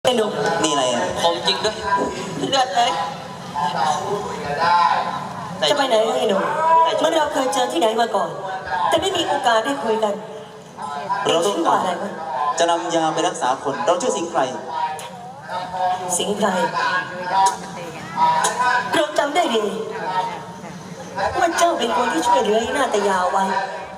ไอ้หนุ่มนี่อะไรอ่ะผมจริงด้วยเลือดเลยจะไปไหนไอ้หนุ่มเมื่อเราเคยเจอที่ไหนมาก่อน แต่ไม่มีโอกาสได้คุยกันเราต้องชื่อกาว่าอะไรรวะจะนำยาไปรักษาคนเราชื่อสิงห์ไพรสิงห์ไพรเราจำได้ดีว่าเจ้าเป็นคนที่ช่วยเหลือไอ้หน้าตายาวไว้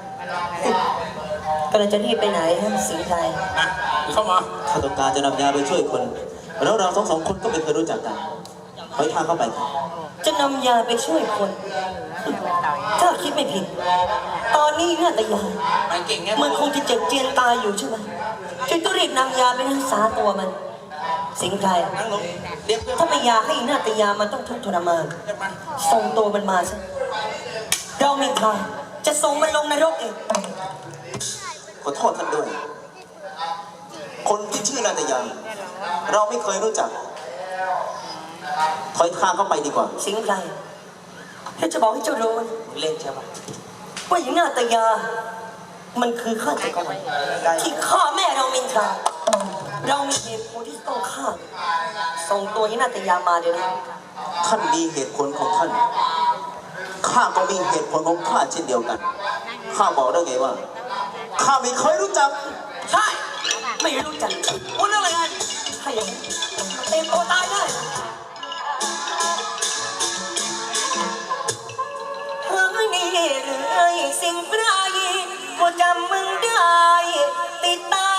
กำลังจะรีบไปไหนฮะสิงห์ไพรเข้ามาข้าต้องการจะนำยาไปช่วยคนแล้วเราสองคนก็ไม่เคยรู้จักกันขอให้ทางเข้าไปครับจะนำยาไปช่วยคน ถ้าคิดไม่ผิด ตอนนี้หน้าตายาวมันเก่งแค่มันคงจะเจ็บเจียนตายอยู่ใช่ไหมจึงต้องรีบนำยาไปรักษาตัวมัน สิงห์ไพรนั่งลงเรียกเพื่อนถ้าไม่อยากให้หน้าตายามันต้องทุกข์ทรมานจะมาส่งตัวมันมาซะเราไม่ทางจะส่งมันลงนรกเองขอโทษท่านด้วย คนที่ชื่อนาตยาเราไม่เคยรู้จักถอยทางเข้าไปดีกว่าสิงห์ไพรถ้าจะบอกให้เจ้ารู้เล่นใช่ปะว่าหญิงหน้าตายา มันคือฆาตกรที่ฆ่าแม่เรามินทรา เรามีเหตุผลที่ต้องฆ่า ส่งตัวหญิงหน้าตายามาเดี๋ยวนี้ท่านมีเหตุผลของท่านข้าก็มีเหตุผลของข้าเช่นเดียวกันข้าบอกได้ไงว่าข้าไม่เคยรู้จักใช่ ไม่รู้จักพูดเรื่องอะไรกันถ้าอย่างนั้นเต็มตัวตายได้เฮ้ยนี่เลยสิ่งไพรก็จำมึงได้ติดตา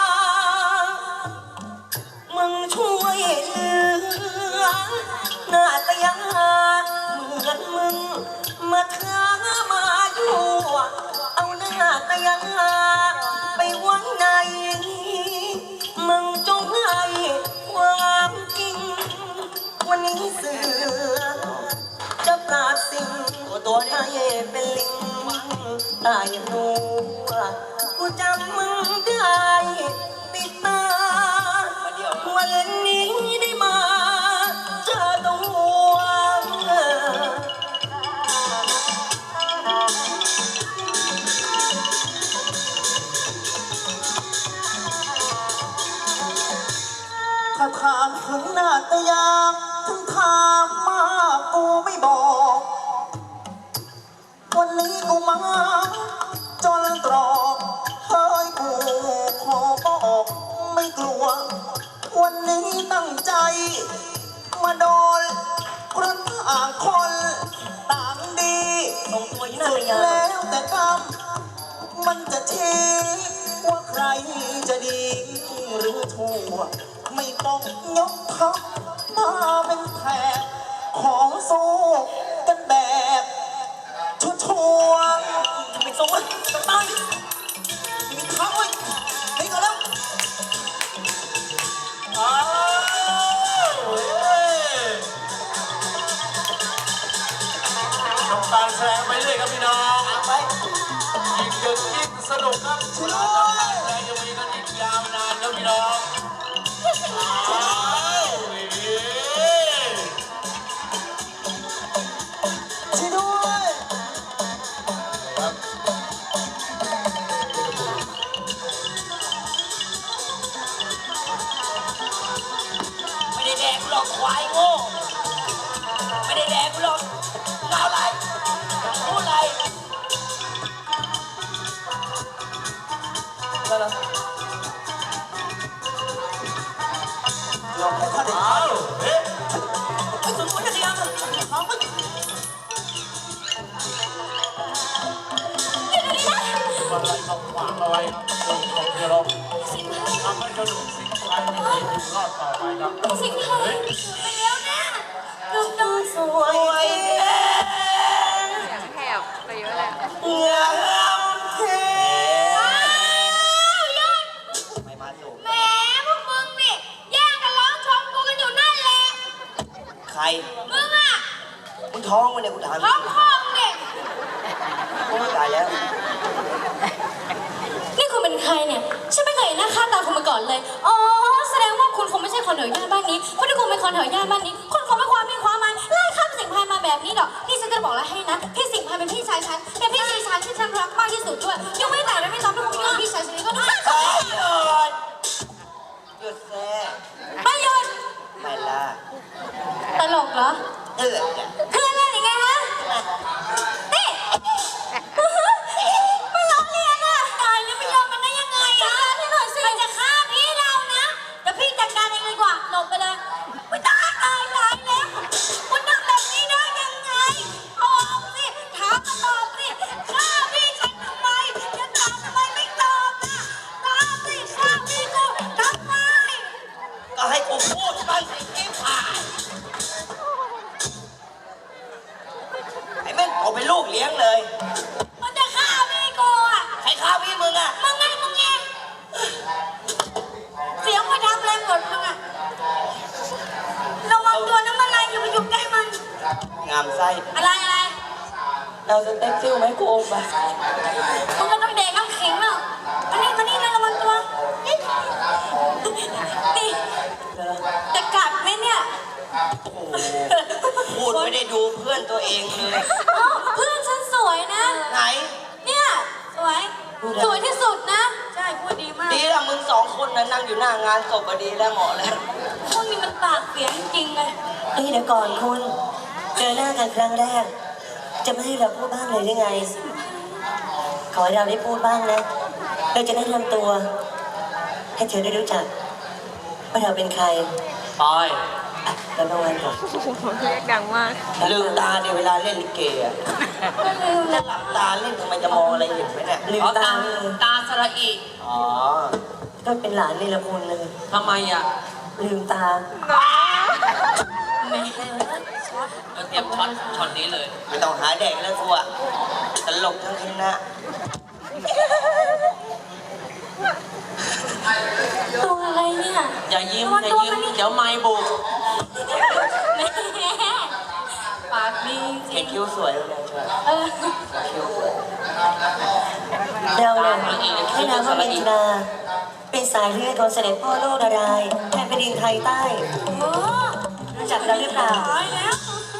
มึงช่วยเหลือหน้าตายาเหมือนมึงมาท้ามาอยู่เอาหน้าตายาไปไว้ในมึงจงให้ความจริงวันนี้เสือจะปราบสิ่งตัวให้เป็นลิงตายนัวกูจำมึงได้ติดตา วันนี้ได้มาเจอตัวถ้าถามถึงหน้าตายาถึงถามมากูไม่บอก วันนี้กูมาจนตรอกเฮ้ยกูขอบอกไม่กลัว วันนี้ตั้งใจมาโดนเพราะต่างคนต่างดีส่งตัวยี่หน้าสุตาดยาแล้วแต่กรรมมันจะชี้ว่าใครจะดีหรือชั่วไม่ต้องยกทัพมาเป็นแถบของสู้กันแบบชัวร์ไปส่งมันจะตายๆมีเขาไว้นี่ก็แล้วอ้าวทำการแสดงไปเรื่อยครับพี่น้องไปยิ่งดึกยิ่งสนุกครับทำการแสดงยังมีกันอีกยาวนานครับพี่น้องอ้าวเฮ้ยช่วยด้วยไม่ได้แดกกูหรอกควายโง่ไม่ได้แดกกูหรอกเล่าอะไรพูดอะไรแล้วลองให้ท่านได้อ้าวเฮ้ยไอ้ส่งตัวยี่หน้าตายามาเอาไปมาไล่เขาขวางเอาไว้ครับตรงเดียวเราทำให้กระดูกสิ่งใดไม่มีอยู่รอดต่อไปครับสิ่งที่ไปแล้วนะลูกน้องสวยแท้แถบไปเยอะเลยงามแท้ว้าวหยุดไม่มาสู่แหมพวกมึงนี่แย่งกันร้องชมกูกันอยู่นั่นแหละใครมึงอ่ะมึงท้องมาเนี่ยกูถามท้องคองเด็กกูตายแล้วนี่คุณเป็นใครเนี่ยฉันไม่เคยเห็นหน้าค่าตาคุณมาก่อนเลยอ๋อแสดงว่าคุณคงไม่ใช่คนแถวย่านบ้านนี้เพราะถ้าคุณเป็นคนแถวย่านบ้านนี้คุณคงไม่ความมีความมันไล่ข้ามสิงห์พายมาแบบนี้หรอกนี่ฉันจะบอกแล้วให้นะพี่สิงห์พายเป็นพี่ชายฉันเป็นพี่ชายฉันที่ฉันรักมากที่สุดด้วยยังไม่แต่และไม่รับลูกคุณพี่ชายฉันนี้ก็ได้หยุดแซ่ไปเหรอเออเพื่อนเล่นยังไงฮะนี่มันล้อเลียนอ่ะตายแล้วไม่ยอมมันได้ยังไงอ่ะพี่หน่อยสิมันจะฆ่าพี่เรานะเดี๋ยวพี่จัดการเองเลยดีกว่าหลบไปเลยไม่ตายแล้วคุณทำแบบนี้ได้ยังไงตอบสิถามมาตอบสิฆ่าพี่ฉันทำไมจะถามทำไมไม่ตอบนะตอบสิฆ่าพี่กูทำไมก็ให้กูพูดบ้างสิที่ผ่านไอ้แม่งเอาเป็นลูกเลี้ยงเลยมันจะฆ่าพี่กูอ่ะใครฆ่าพี่มึงอ่ะมึงไงเสียงไปทำอะไรหมดมึงอะระวังตัวน้ำมันลายอย่าไปอยู่ใกล้มันงามไส้อะไรเราจะเต้นซิ่วไหมกูโอมไปมึงก็ต้องเด็กน้ำแข็งเนาะมานี่นะระวังตัวนี่จะกัดไหมเนี่ยโอ้โหพูดไม่ได้ดูเพื่อนตัวเองเลยเอ้าเพื่อนฉันสวยนะไหนเนี่ยสวยที่สุดนะใช่พูดดีมากดีละมึงสองคนนะนั่งอยู่หน้างานศพก็ดีแล้วเหมาะแล้วพวกนี้มันปากเสียจริงๆเลยเฮ้ยเดี๋ยวก่อนคุณ เจอหน้ากันครั้งแรก จะไม่ให้เราพูดบ้างเลยได้ไง ขอให้เราได้พูดบ้างนะ เราจะได้ทำตัว ให้เธอได้รู้จักว่าเราเป็นใครปอยอ่ะเราประวันก่อนเรียกดังมากลืมตาเดี๋ยวเวลาเล่นลิเกอ่ะก็ลืมถ้านะหลับตาเล่นทำไมจะมองอะไรเห็นไหมเนี่ยลืมตาเลยตาสระอีอ๋อก็เป็นหลานนี่ละคุณเลยทำไมอ่ะลืมตาแม่เตรียมช็อตนี้เลยไม่ต้องหาแดกแล้วกูอะตลกทั้งคณะตัวอะไรเนี่ยอย่ายิ้มระวังอย่าตัวยิ้มมันนี่เดี๋ยวไม้บุกแม่ปากดีจริเห็นงคิ้วสวยเลยช่วยเออคิ้วสวยเราเนี่ยให้นามว่ามินทราเป็นสายเลือดของเสด็จพ่อโลกนารายณ์แผ่นแผ่นดินไทยใต้โอ้รู้จักเราหรือเปล่าตายแล้ว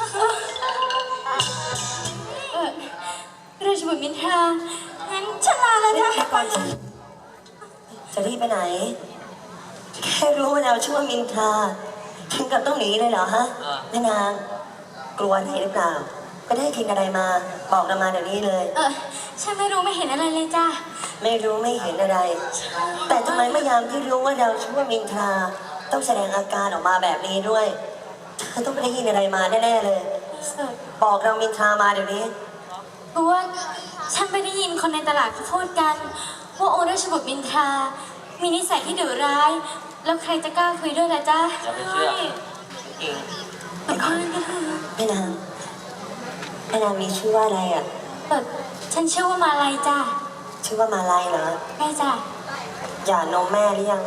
ราชบุตรมินทรางั้นฉันลาแล้วนะเดี๋ยวก่อนสิจะรีบไปไหน แค่รู้ว่าเราชื่อว่ามินทราถึงกับต้องหนีเลยเหรอฮะแม่นางกลัวอะไรหรือเปล่า ก็ได้กินอะไรมา บอกเรามาเดี๋ยวนี้เลยฉันไม่รู้ไม่เห็นอะไรเลยจ้าไม่รู้ไม่เห็นอะไร แต่ทำไมเมื่อยามที่รู้ว่าเราชื่อว่ามินทราต้องแสดงอาการออกมาแบบนี้ด้วยเธอต้องไปได้ยินอะไรมาแน่ๆเลย บอกเรามินทรามาเดี๋ยวนี้เพราะว่าฉันไปได้ยินคนในตลาดเขาพูดกัน ว่าองค์ราชบุตรมินทรา มีนิสัยที่ดุร้าย แล้วใครจะกล้าคุยด้วยล่ะจ๊ะอย่าไปเชื่อจริงเป็นคนกันเถอะแม่นางแม่นางมีชื่อว่าอะไรอ่ะฉันชื่อว่ามาลัยจ้าชื่อว่ามาลัยเหรอแม่จ้าหย่านมแม่หรือยัง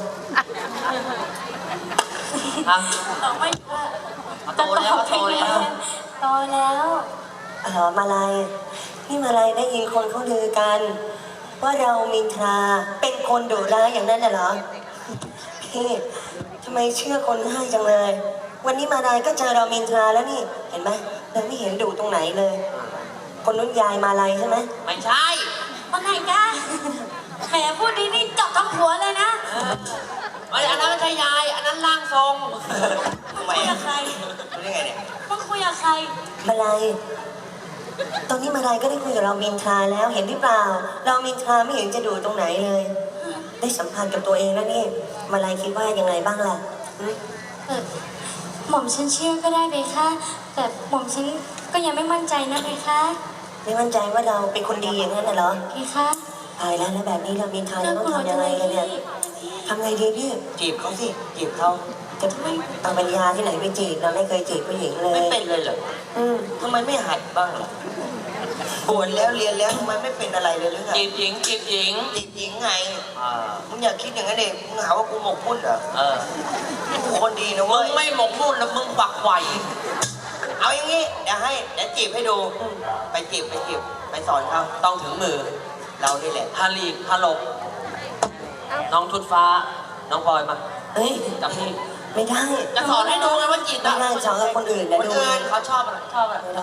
ฮะต่อไม่ว่าโตแล้วโตแล้วโตแล้วอ๋อมาลัยนี่มาลัยได้ยินคนเขาลือกัน ว่าเรามินทราเป็นคนดุร้ายอย่างนั้นน่ะเหรอพี่ทำไมเชื่อคนง่ายจังเลย วันนี้มาลัยก็เจอเรามินทราแล้วนี่เห็นไหมเราไม่เห็นดุตรงไหนเลย คนนู้นยายมาลัยใช่ไหมไม่ใช่ว่าไงจ้าแหมพูดดีนี่จับทั้งหัวเลยนะอันนั้นไม่ใช่ยาย อันนั้นร่างทรงทำไมคุยอะกับใครรู้ได้ไงเนี่ยต้องคุยกับใครมาลัยตอนนี้มาลัยก็ได้คุยกับเรามินทราแล้วเห็นหรือเปล่า เรามินทราไม่เห็นจะดุตรงไหนเลย ได้สัมพันธ์กับตัวเองแล้วนี่มาลัยคิดว่ายังไงบ้างล่ะหึหม่อมฉันเชื่อก็ได้เบค่ะแต่หม่อมฉันก็ยังไม่มั่นใจนะเบค่ะไม่มั่นใจว่าเราเป็นคนดีอย่างนั้นน่ะเหรอเบค่ะตายแล้วแบบนี้เรามินทราน่าจะต้อก งลัวทำจัยังงเลไงยกันเนี่ยพี่ทำไงดีพี่จีบเขาสิจีบเขาจะเอาปัญญาที่ไหนไปจีบเราไม่เคยจีบผู้หญิงเลยไม่เป็นเลยเหรออืมทำไมไม่หัดบ้างล่ะบวชแล้วเรียนแล้วทำไมไม่เป็นอะไรเลยหรือไงจีบหญิงจีบหญิงจีบหญิงไงอ่ามึงอย่าคิดอย่างนั้นเองมึงหาว่ากูหมกมุ่นเหรอเออกูคนดีนะมึเว้งยไม่หมกมุ่นแล้วมึงฝักไหวเอาอย่างงี้เดี๋ยวจีบให้ดู ไปจีบไปสอนเขาต้องถึงมือเรานี่แหละฮาลีกฮาลก น้องทุดฟ้า น้องพลอยมาเฮ้ยกับพี่ไม่ได้จะสอนให้ดูไงว่าจีบไม่อะได้สอนกับคนอื่นคนะนดูอื่นเขาชอบอะไรชอบอะไรไม่ได้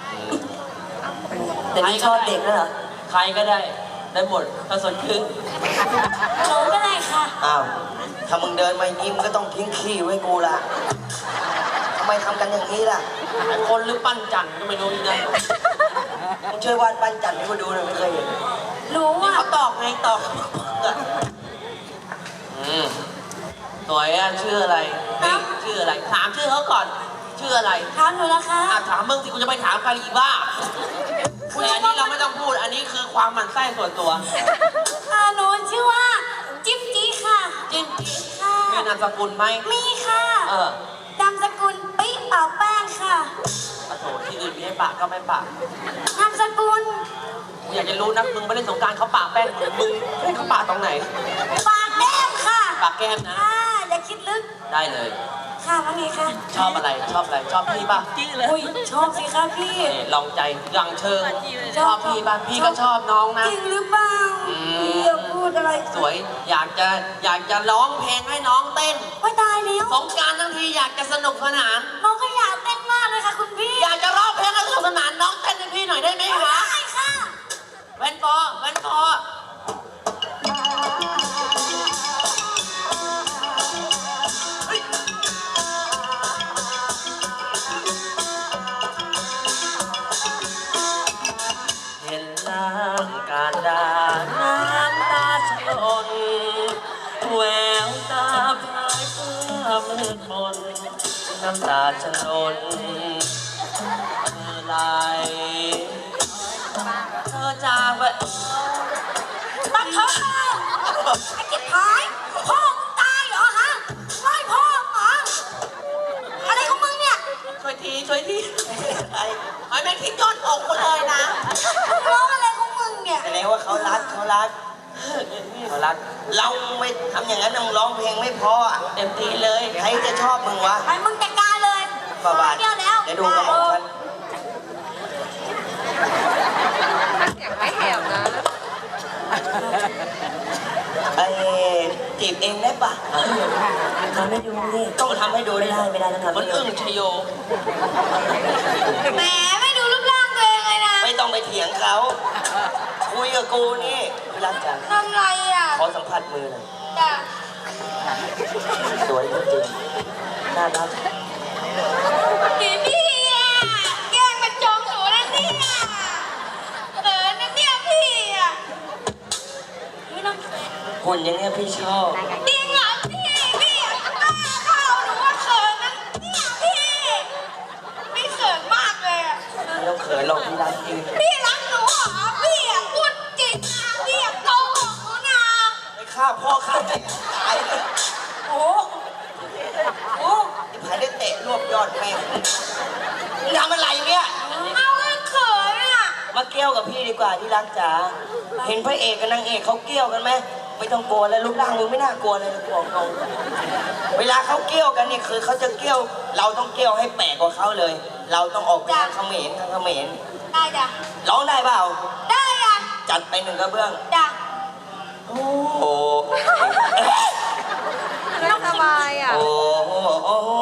แต่นี่ชอบเด็กแล้วเหรอใครก็ได้ ได้หมดถ้าสนชื่นหนูก็ได้ค่ะอ้าวถ้ามึงเดินมายิ้มก็ต้องทิ้งขี้ไว้กูละทำไมไมทำกันอย่างนี้ล่ะคนหรือปั้นจันทร์ก็ไม่รู้อีกนะมึงช่วยวาดปั้นจันทร์ให้กูดูหน่อยไม่เคยเห็นรู้นี่อ่ะเขาตอกไงตอกสวยอะชื่ออะไรนี่ชื่ออะไร ถามชื่อเขาก่อน ชื่ออะไรถามหนูนะคะถามมึงสิกูจะไปถามใครอีกบ้าแต่อันนี้เราไม่ต้องพูด อันนี้คือความหมั่นไส้ส่วนตัวหนูชื่อว่าจิ๊บจี้ค่ะจริงค่ะมีนามสกุลไหมมีค่ะเออนามสกุลปิ๊เป่าแป้งค่ะโอ้โหที่อื่นมีให้ปะก็ไม่ปะนามสกุลอยากจะรู้นักมึงไม่เล่นสงกรารเขาปะแป้งมึงให้เขาปะตรงไหนปากแก้มค่ะปะแก้มนะอย่าคิดลึกได้เลยค่ะว่าไงคะชอบอะไร ชอบอะไร ชอบพี่ป่ะอุ้ยชอบสิคะพี่นี่ลองใจยังเชิง ชอบพี่ป่ะ พี่ก็ชอบน้องนะจริงหรือเปล่าพี่อย่าพูดอะไรสวย อยากจะร้องเพลงให้น้องเต้นว่าตายแล้วสงกรารทั้งทีอยากจะสนุกสนานน้องก็อยากเต้นมากเลยค่ะคุณพี่อยากจะร้องเพลงให้สนุกสนานน้องเต้นให้พี่หน่อยได้ไหมคะได้ค่ะแว่นปอแว่นปอเห็นล่างการดาน้ำตาชลนแววตาพายเพื่อมืดมนน้ำตาชลนไหลเธอจากไปบังเถอะไอ้จิ๊บหายพ่อมึงตายเหรอฮะไล่พ่อมึงเหรออะไรของมึงเนี่ยช่วยทีไอ้แม่งทิ้งยอดอกกูเลยนะมึงร้องอะไรของมึงเนี่ยแสดงว่าเขารักเขารักเขารักเราไม่ทำอย่างนั้นมึงร้องเพลงไม่เพออ่ะเต็มที่เลยใครจะชอบมึงวะไปมึงจัดการเลยบ้าบาเดียวแล้วเดี๋ยวดูกระหม่อมฉันไม่แหบนะไอ้จีบเองได้ปะทำให้ดูนี่ต้องทำให้ดูไม่ได้ได้ไม่ได้ต้องทำมันให้ดูอึ้งชโยแหมไม่ดูรูปร่างตัวเองเลยนะไม่ต้องไปเถียงเขา คุยกับกูนี่พี่รักจังทำไรอ่ะขอสัมผัสมือหน่อยจ้ะสวยจริงๆน่ารักพี่อ่ะแกล้งมาจองหนูนะเนี่ยเขินนะเนี่ยพี่อ่ะไม่ต้องหุ่นอย่างเนี้ยพี่ชอบจริงเหรอพี่อ่ะกล้าเข้าหนูว่าเขินนะเนี่ยพี่เขินมากเลยอ่ะไม่ต้องเขินหรอกพี่รักจริงพี่รักหนูเหรอพี่อ่ะพูดจริงนะพี่อ่ะโกหกหนูนะไปฆ่าพ่อฆ่าแม่ตายเลยโอ้โหไอ้ผายได้เตะรวบยอดแม่งมึงทำอะไรเนี่ยเอาเลยเขินอ่ะมาเกี่ยวกับพี่ดีกว่าที่รักจ๋า เห็นพระเอกกับนางเอกเขาเกี่ยวกันไหมไม่ต้องกลัวแล้วรูปร่างมึงไม่น่ากลัวเลยนะกลัวเขาเวลาเขาเกี่ยวกันเนี่ยคือเขาจะเกี่ยว เราต้องเกี่ยวให้แปลกกว่าเขาเลย เราต้องออกไปทางเขมรทางเขมรได้จ้ะร้องได้เปล่าได้อ่ะจัดไปหนึ่งกระเบื้องจ้ะโอ้โหไม่สบายอ่ะโอ้โหโอ้โห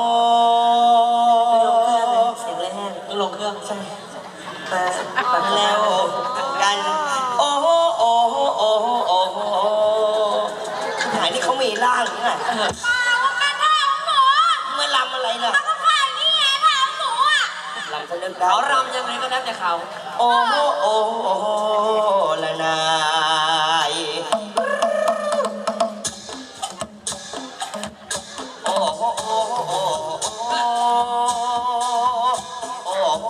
เสียงแรงต้องลงเครื่องใช่มาแล้วกัน โอ้โหโอ้โหโอ้โหโอ้โหหายนี่เขามีร่างหรือไงเปล่าว่าเป็นท่าของหนูเมื่อลำอะไรล่ะแล้วก็ผ่านนี่ไงท่าของหนูอ่ะลำสนึกได้เขารำยังไงก็แล้วแต่เขาโอ้โหโอ้โหโอ้โหละนายโอ้โหโอ้โหโอ้โหโอ้โหโอ้โห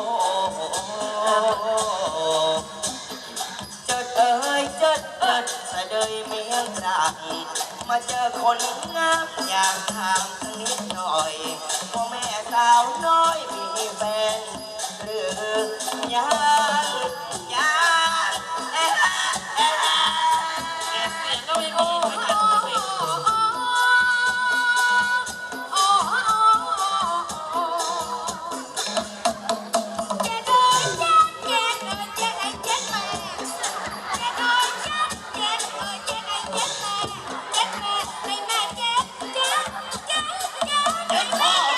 เจิดเอ้ยเจิดเอิดสะเดยเมียงรักมาเจอคนงามอยากถามสักนิดหน่อยว่าแม่สาวน้อยมีแฟนหรือยังยังเอ๊ะเอ๊ะเสียงก็ไม่มีไม่ทันไม่เจ็ดพ่อ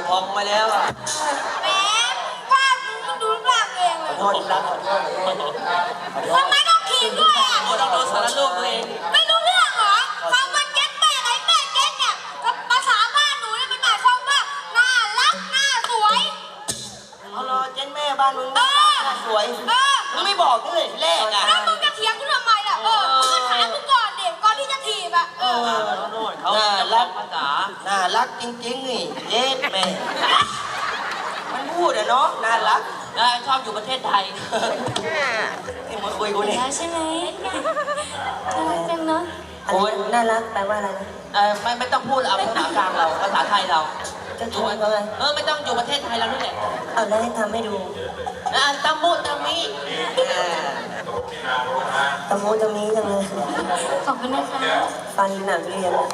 พองมาแล้วอ่ะแหมว่ามึงดูรูปร่างเองเลยขอโทษรักขอโทษทำไมต้องถีบด้วยอ่ะโอ้ต้องโดนสารรูปตัวเองไม่รู้เรื่องเหรอคำว่าเก็ตแม่ไงแม่เก็ตเนี่ยกับภาษาบ้านหนูเนี่ยมันหมายความว่าน่ารักน่าสวยเอาล่ะเจ๊แม่บ้านมึงน่าสวยมึงไม่บอกด้วยแรกอ่ะแล้วมึงจะเถียงกูทำไมล่ะมึงก็ถามกูก่อนเด็กก่อนที่จะถีบอ่ะเขาน่ารักภาษาน่ารักจริงๆนี่เจ๊แม่มันพูดอะเนาะน่ารักชอบอยู่ประเทศไทยนี่มาคุยกูนี่แล้วใช่ไหมน่ารักจังเนาะโอ้ยน่ารักแปลว่าอะไรนะไม่ต้องพูดเอาภาษากลางเราภาษาไทยเราจะชวนเขาเลยไม่ต้องอยู่ประเทศไทยเรานี่แหละเอาแล้วให้ทำให้ดูตะมุตะมิตะมูตะมีจังเลยขอบคุณนะคะฟันหนังเรียน